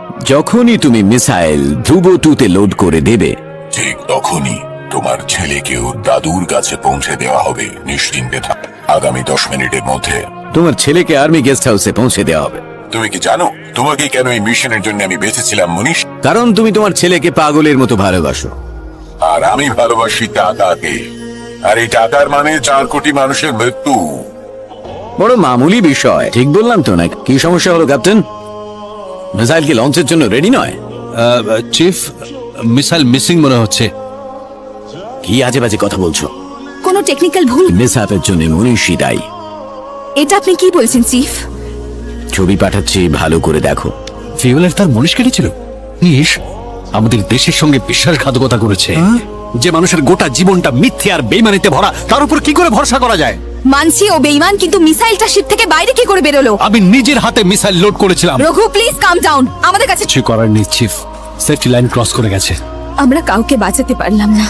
যখনই তুমি মিসাইল ধ্রুব 2 তে লোড করে দেবে, ঠিক তখনই তোমার ছেলেকে ওর দাদুর কাছে পৌঁছে দেওয়া হবে। নিশ্চিন্তে থাক, আগামী 10 মিনিটের মধ্যে তোমার ছেলেকে আর্মি গেস্ট হাউসে পৌঁছে দেওয়া হবে। তুমি কি জানো তোমাকে কেন এই মিশনের জন্য আমি বেঁচেছিলাম মনীষ? কারণ তুমি তোমার ছেলেকে পাগলের মতো ভালোবাসো। আর আমি ভালোবাসি টাকাকে। আর এই টাকার মানে 4 কোটি মানুষের মৃত্যু। বড় মামুলি বিষয়, ঠিক বললাম তো? না কি সমস্যা হলো ক্যাপ্টেন? মিসাইল কি লঞ্চের জন্য রেডি নয়? চিফ, মিসাইল মিসিং মনে হচ্ছে। কি আজে বাজে কথা বলছো? কোনো টেকনিক্যাল ভুল? মিসহ্যাপের জন্য মনীষী দায়ী। এটা আপনি কি বলছেন চিফ? ছবি পাঠাচ্ছি, ভালো করে দেখো। ফিউলের তার মনীষ কেটেছিল। নিশ আমাদের দেশের সঙ্গে বিশ্বাসঘাতকতা করেছে। যে মানুষের গোটা জীবনটা মিথ্যে আর বেইমানিতে ভরা, তার উপর কি করে ভরসা করা যায়? মানছি ও বেঈমান, কিন্তু মিসাইলটা শিপ থেকে বাইরে কি করে বেরোলো? আমি নিজের হাতে মিসাইল লোড করেছিলাম। Raghu please calm down. আমাদের কাছে কিছু করার নেই চিফ, সেফটি লাইন ক্রস করে গেছে। আমরা কাউকে বাঁচাতে পারলাম না।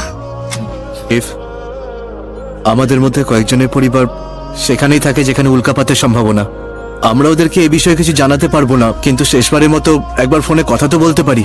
আমাদের মধ্যে কয়েকজনের পরিবার সেখানেই থাকে যেখানে উল্কাপাতের সম্ভাবনা। আমরা ওদেরকে এ বিষয়ে কিছু জানাতে পারবো না, কিন্তু শেষবারের মতো একবার ফোনে কথা তো বলতে পারি।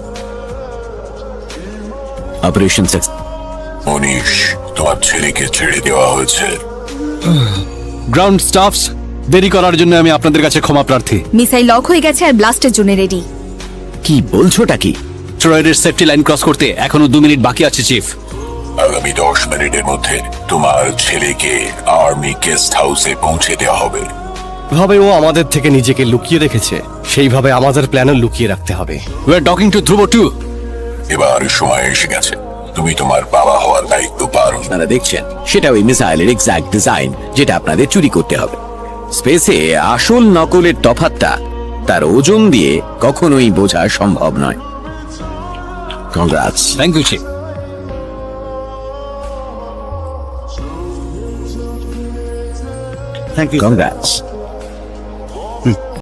Operation success. মনীষ, তোমার ছেলেকে ছেড়ে দেওয়া হয়েছে। গ্রাউন্ড স্টাফস, দেরি করার জন্য আমি আপনাদের কাছে ক্ষমা প্রার্থী। মিসাইল লক হয়ে গেছে আর ব্লাস্টের জন্য রেডি। কি বলছোটা কি? ট্রয়েডের সেফটি লাইন ক্রস করতে এখনো 2 মিনিট বাকি আছে চিফ। আগামী 10 মিনিটের মধ্যে তোমার ছেলেকে আর্মি গেস্ট হাউসে পৌঁছে দেওয়া হবে। ভাবে ও আমাদের থেকে নিজেকে লুকিয়ে রেখেছে, সেইভাবে আমাদের প্ল্যানও লুকিয়ে রাখতে হবে। We are talking to Dhruv 2। এবার সময় এসে গেছে, তুমি তোমার বাবা হওয়ার দায়িত্ব পালন। আপনারা দেখছেন সেটা ওই মিসাইলের এক্সাক্ট ডিজাইন, যেটা আপনাদের চুরি করতে হবে। স্পেসে আসল নকলের তফাৎটা তার ওজন দিয়ে কখনোই বোঝা সম্ভব নয়। Congrats. Thank you chief. Congrats.